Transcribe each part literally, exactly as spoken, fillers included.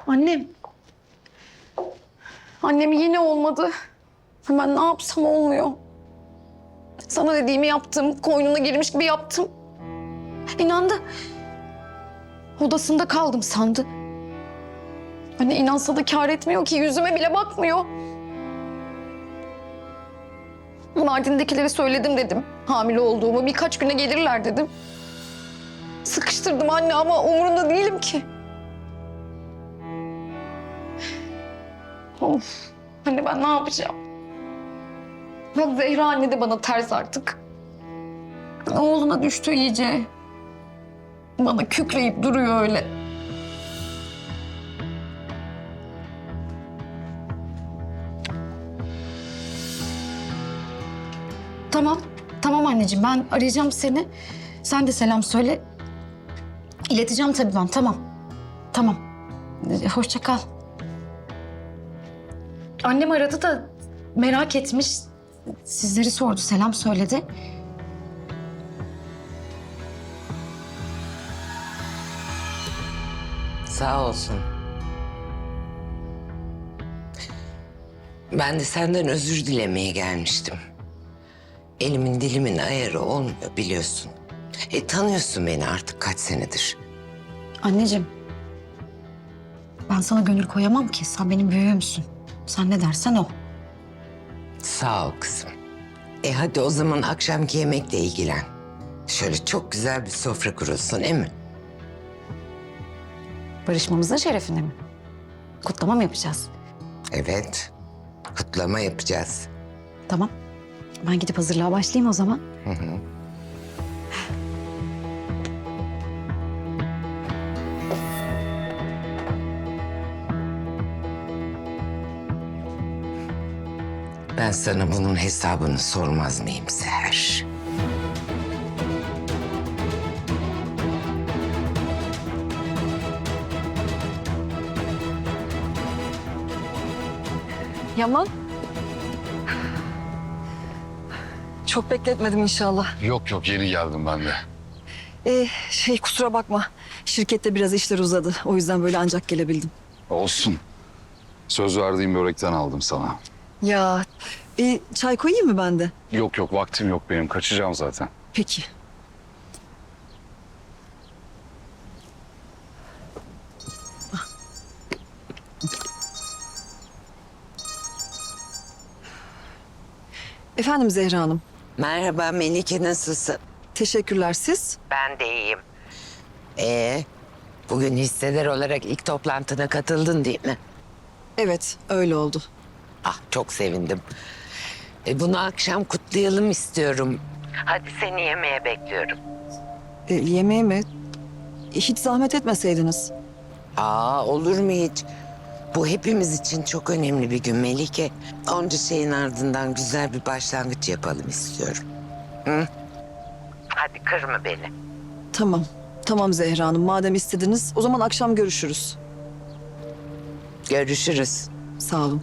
Annem. Annem yine olmadı. Ben ne yapsam olmuyor. Sana dediğimi yaptım. Koynuna girmiş gibi yaptım. İnandı. Odasında kaldım sandı. Anne inansa da kâr etmiyor ki. Yüzüme bile bakmıyor. Mardin'dekilere söyledim dedim. Hamile olduğumu. Birkaç güne gelirler dedim. Sıkıştırdım anne ama umurunda değilim ki. Of. Anne ben ne yapacağım? Bak Zehra anne de bana ters artık. Oğluna düştü iyice. Bana kükreyip duruyor öyle. Tamam, tamam anneciğim. Ben arayacağım seni. Sen de selam söyle. İleteceğim tabii ben. Tamam. Tamam. Hoşça kal. Annem aradı da merak etmiş. Sizleri sordu, selam söyledi. Sağ olsun. Ben de senden özür dilemeye gelmiştim. Elimin dilimin ayarı olmuyor biliyorsun. E tanıyorsun beni artık kaç senedir. Anneciğim, ben sana gönül koyamam ki. Sen benim büyüğümsün. Sen ne dersen o. Sağ ol kızım. E hadi o zaman akşamki yemekle ilgilen. Şöyle çok güzel bir sofra kurulsun, değil mi? Barışmamızın şerefine mi? Kutlama mı yapacağız? Evet. Kutlama yapacağız. Tamam. Ben gidip hazırlığa başlayayım o zaman. Hı hı. Ben sana bunun hesabını sormaz mıyım Seher? Yaman. Çok bekletmedim inşallah. Yok yok yeni geldim ben de. Ee, şey kusura bakma. Şirkette biraz işler uzadı. O yüzden böyle ancak gelebildim. Olsun. Söz verdiğim börekten aldım sana. Ya bir çay koyayım mı ben de? Yok yok vaktim yok benim kaçacağım zaten. Peki. Efendim Zehra Hanım. Merhaba Melike, nasılsın? Teşekkürler siz. Ben de iyiyim. Ee, bugün hisseler olarak ilk toplantına katıldın değil mi? Evet öyle oldu. Ah çok sevindim. E, bunu akşam kutlayalım istiyorum. Hadi seni yemeğe bekliyorum. Ee, yemeğe mi? Hiç zahmet etmeseydiniz. Aa olur mu hiç? Bu hepimiz için çok önemli bir gün Melike. Onca şeyin ardından güzel bir başlangıç yapalım istiyorum. Hı? Hadi kırma beni. Tamam. Tamam Zehra Hanım. Madem istediniz o zaman akşam görüşürüz. Görüşürüz. Sağ olun.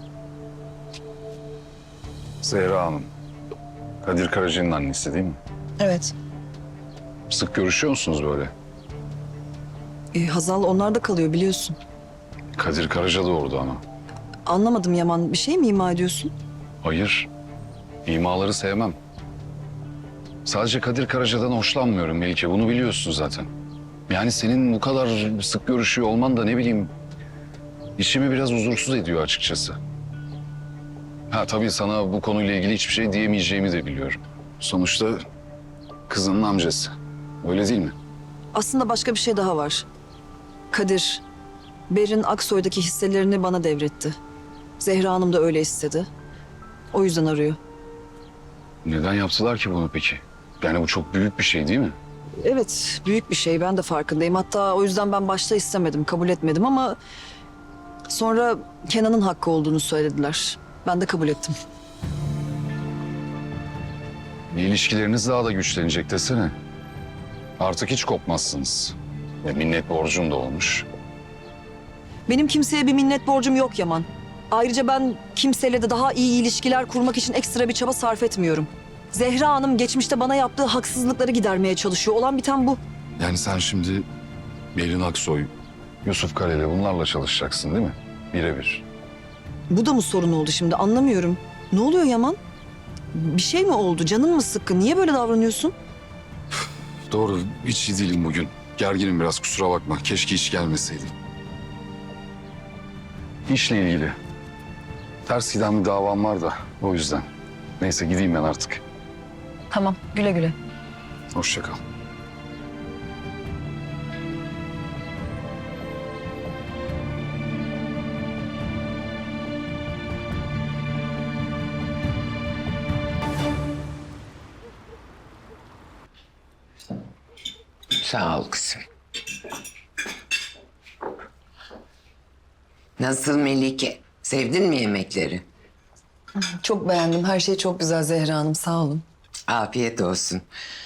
Zehra Hanım. Kadir Karaca'nın annesi değil mi? Evet. Sık görüşüyor musunuz böyle? Ee, Hazal onlar da kalıyor biliyorsun. Kadir Karaca da orada ama. Anlamadım Yaman. Bir şey mi ima ediyorsun? Hayır. İmaları sevmem. Sadece Kadir Karaca'dan hoşlanmıyorum Melike. Bunu biliyorsun zaten. Yani senin bu kadar sık görüşüyor olman da ne bileyim... ...içimi biraz huzursuz ediyor açıkçası. Ha tabii sana bu konuyla ilgili hiçbir şey diyemeyeceğimi de biliyorum. Sonuçta kızının amcası. Öyle değil mi? Aslında başka bir şey daha var. Kadir, Berin Aksoy'daki hisselerini bana devretti. Zehra Hanım da öyle istedi. O yüzden arıyor. Neden yaptılar ki bunu peki? Yani bu çok büyük bir şey değil mi? Evet, büyük bir şey. Ben de farkındayım. Hatta o yüzden ben başta istemedim, kabul etmedim ama... ...sonra Kenan'ın hakkı olduğunu söylediler. Ben de kabul ettim. İlişkileriniz daha da güçlenecek desene. Artık hiç kopmazsınız. Ve minnet borcum da olmuş. Benim kimseye bir minnet borcum yok Yaman. Ayrıca ben kimseyle de daha iyi ilişkiler kurmak için ekstra bir çaba sarf etmiyorum. Zehra Hanım geçmişte bana yaptığı haksızlıkları gidermeye çalışıyor. Olan biten bu. Yani sen şimdi Berin Aksoy, Yusuf Kaleli bunlarla çalışacaksın değil mi? Birebir. Bu da mı sorun oldu şimdi anlamıyorum. Ne oluyor Yaman? Bir şey mi oldu? Canın mı sıkkın? Niye böyle davranıyorsun? Doğru, hiç iyi değilim bugün. Gerginim biraz, kusura bakma. Keşke hiç gelmeseydim. İşle ilgili. Ters giden bir davam var da o yüzden. Neyse gideyim ben artık. Tamam, güle güle. Hoşça kal. Sağ ol kızım. Nasıl Melike? Sevdin mi yemekleri? Çok beğendim. Her şey çok güzel Zehra Hanım. Sağ olun. Afiyet olsun.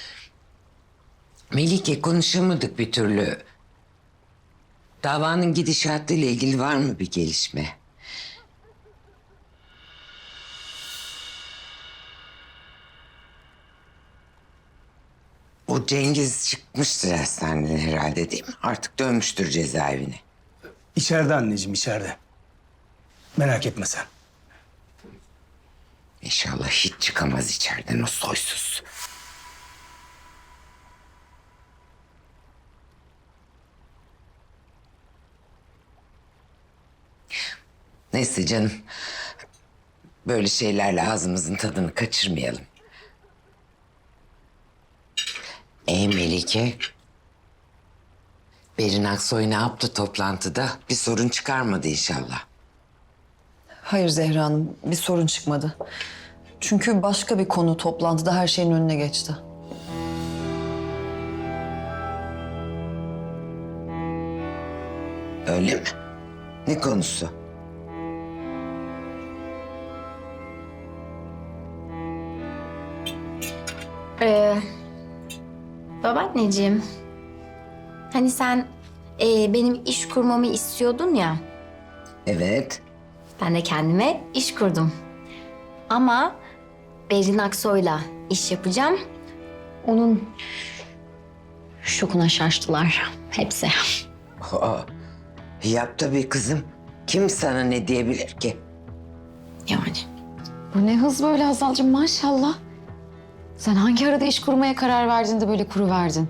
Melike, konuşamadık bir türlü. Davanın gidişatıyla ilgili var mı bir gelişme? O Cengiz çıkmıştır hastaneden herhalde değil mi? Artık dönmüştür cezaevine. İçeride anneciğim, içeride. Merak etme sen. İnşallah hiç çıkamaz içeriden o soysuz. Neyse canım. Böyle şeylerle ağzımızın tadını kaçırmayalım. Ey Melike. Berin Aksoy ne yaptı toplantıda? Bir sorun çıkarmadı inşallah. Hayır Zehra Hanım, bir sorun çıkmadı. Çünkü başka bir konu toplantıda her şeyin önüne geçti. Öyle mi? Ne konusu? Ee, babaanneciğim, hani sen e, benim iş kurmamı istiyordun ya, Evet. ben de kendime iş kurdum. Ama Berin Aksoy'la iş yapacağım. Onun şokuna şaştılar hepsi. Aa, yap tabii kızım. Kim sana ne diyebilir ki? Yani. Bu ne hız böyle Hazal'cığım maşallah. Sen hangi arada iş kurmaya karar verdin de böyle kuruverdin?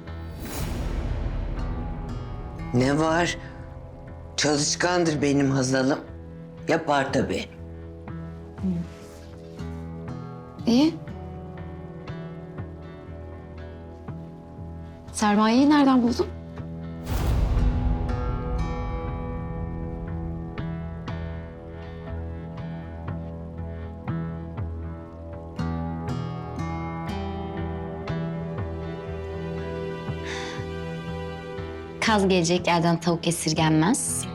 Ne var? Çalışkandır benim Hazal'ım. Yapar tabii. İyi. Sermayeyi nereden buldun? Kaz gelecek yerden tavuk esirgenmez.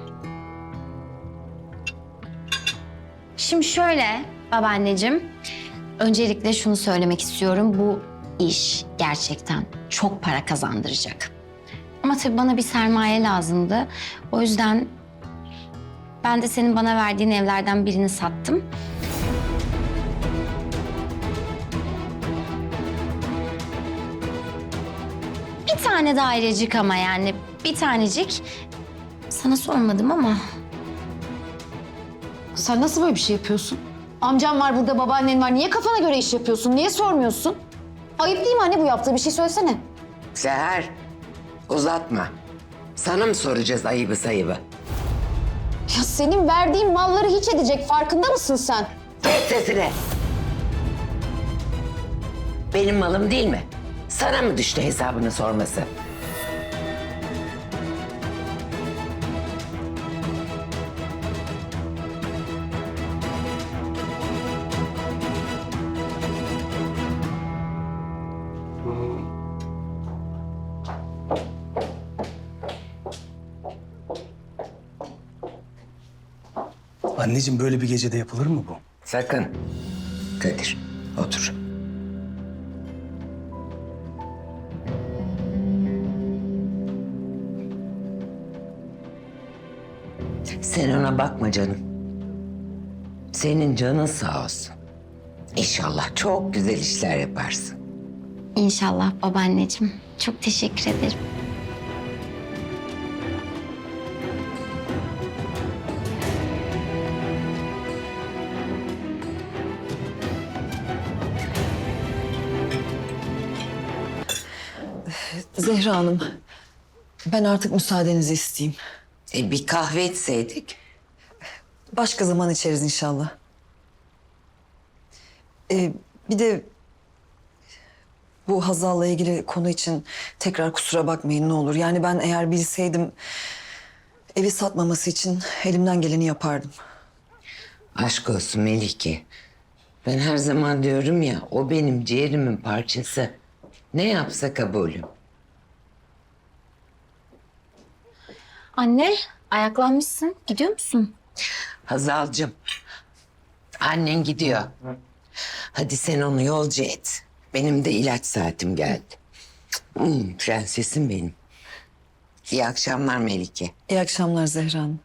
Şimdi şöyle babaanneciğim, öncelikle şunu söylemek istiyorum. Bu iş gerçekten çok para kazandıracak. Ama tabii bana bir sermaye lazımdı. O yüzden ben de senin bana verdiğin evlerden birini sattım. Bir tane dairecik ama yani bir tanecik. Sana sormadım ama. Sen nasıl böyle bir şey yapıyorsun? Amcam var burada, babaannen var. Niye kafana göre iş yapıyorsun? Niye sormuyorsun? Ayıp değil mi anne bu yaptığı? Bir şey söylesene. Seher, uzatma. Sana mı soracağız ayıbı sayıbı? Ya senin verdiğin malları hiç edecek. Farkında mısın sen? Kes sesini. Benim malım değil mi? Sana mı düştü hesabını sorması? Anneciğim böyle bir gecede yapılır mı bu? Sakın. Kadir, otur. Sen ona bakma canım. Senin canın sağ olsun. İnşallah çok güzel işler yaparsın. İnşallah babaanneciğim. Çok teşekkür ederim. Zehra Hanım, ben artık müsaadenizi isteyeyim. E, bir kahve içseydik. Başka zaman içeriz inşallah. Ee, bir de bu Hazal'la ilgili konu için tekrar kusura bakmayın ne olur. Yani ben eğer bilseydim evi satmaması için elimden geleni yapardım. Aşk olsun Melike. Ben her zaman diyorum ya, o benim ciğerimin parçası. Ne yapsa kabulüm. Anne, ayaklanmışsın. Gidiyor musun? Hazal'cığım, annen gidiyor. Hadi sen onu yolcu et. Benim de ilaç saatim geldi. Hmm, prensesim benim. İyi akşamlar Melike. İyi akşamlar Zehra Hanım.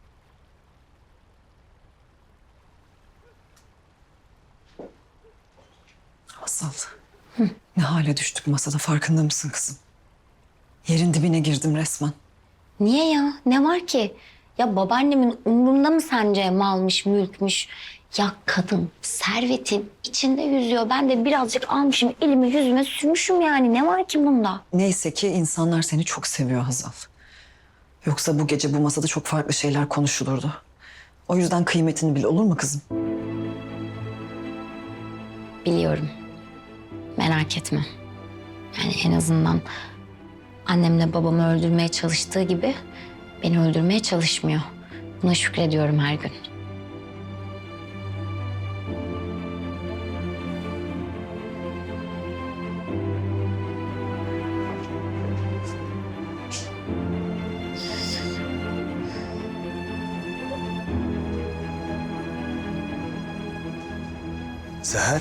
Hazal, ne hale düştük masada farkında mısın kızım? Yerin dibine girdim resmen. Niye ya? Ne var ki? Ya babaannemin umrunda mı sence malmış, mülkmüş? Ya kadın servetin içinde yüzüyor. Ben de birazcık almışım, elimi yüzüme sürmüşüm yani. Ne var ki bunda? Neyse ki insanlar seni çok seviyor Hazal. Yoksa bu gece bu masada çok farklı şeyler konuşulurdu. O yüzden kıymetini bil, olur mu kızım? Biliyorum. Merak etme. Yani en azından annemle babamı öldürmeye çalıştığı gibi beni öldürmeye çalışmıyor. Buna şükrediyorum her gün. Seher.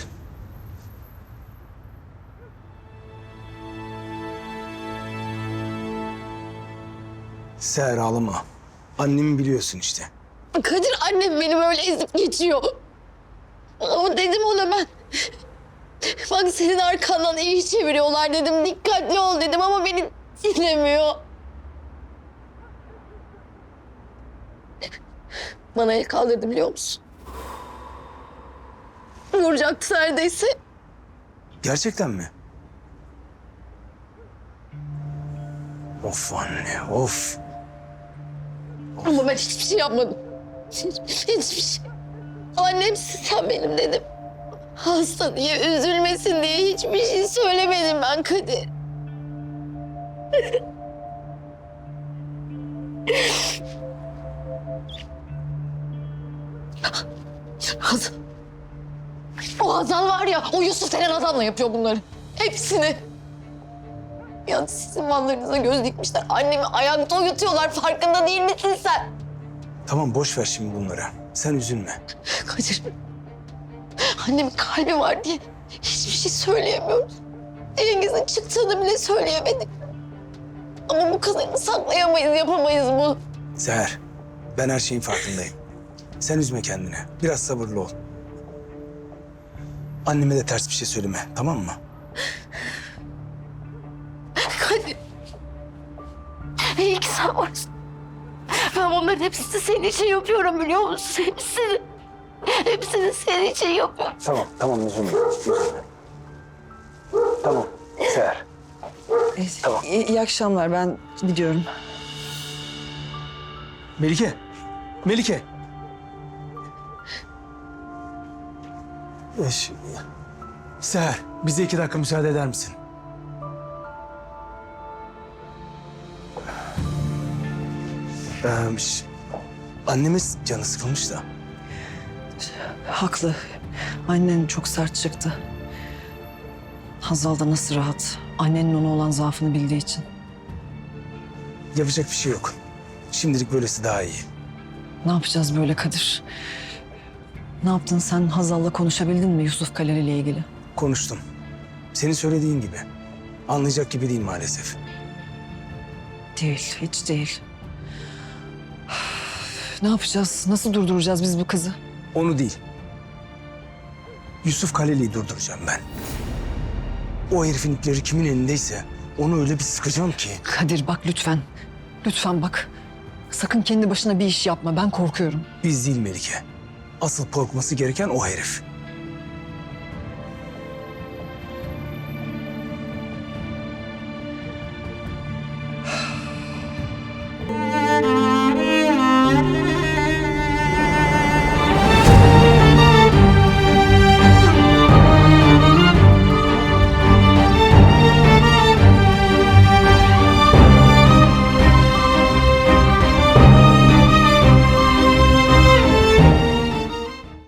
Seher ağlama. Annemi biliyorsun işte. Kadir annem beni böyle ezip geçiyor. Ama dedim ona ben. Bak senin arkandan iyi çeviriyorlar dedim. Dikkatli ol dedim ama beni dinlemiyor. Bana el kaldırdı biliyor musun? Vuracaktı neredeyse. Gerçekten mi? Of anne, of. Ama ben hiçbir şey yapmadım. Hiç, hiçbir şey. Annemsin sen benim dedim. Hasta diye, üzülmesin diye hiçbir şey söylemedim ben Kadir. Hazal. O Hazal var ya, o Yusuf denen adamla yapıyor bunları. Hepsini. Ya sizin mallarınıza göz dikmişler. Annemi ayakta uyutuyorlar. Farkında değil misin sen? Tamam boş ver şimdi bunları. Sen üzülme. Kadir. Annemin kalbi var diye hiçbir şey söyleyemiyoruz. Cengiz'in çıktığını bile söyleyemedik. Ama bu kadarını saklayamayız, yapamayız bu. Seher, ben her şeyin farkındayım. Sen üzme kendini. Biraz sabırlı ol. Anneme de ters bir şey söyleme, tamam mı? Kadir. İyi ki sen varsın. Ben bunların hepsini senin için yapıyorum biliyor musun? Hepsini. Hepsini senin için yapıyorum. Tamam, tamam üzülme. üzülme. Tamam, Seher. Tamam. İyi, iyi akşamlar, ben gidiyorum. Melike, Melike. Ee, ş- Seher, bize iki dakika müsaade eder misin? Ee, ş- annemiz canı sıkılmış da. Haklı. Annen çok sert çıktı. Hazal da nasıl rahat. Annenin ona olan zaafını bildiği için. Yapacak bir şey yok. Şimdilik böylesi daha iyi. Ne yapacağız böyle Kadir? Ne yaptın sen? Hazal'la konuşabildin mi Yusuf Kaleli ile ilgili? Konuştum. Senin söylediğin gibi. Anlayacak gibi değil maalesef. Değil, hiç değil. Ne yapacağız? Nasıl durduracağız biz bu kızı? Onu değil. Yusuf Kaleli'yi durduracağım ben. O herifin ipleri kimin elindeyse onu öyle bir sıkacağım ki. Kadir bak lütfen. Lütfen bak. Sakın kendi başına bir iş yapma. Ben korkuyorum. Biz değil Melike. Asıl korkması gereken o herif.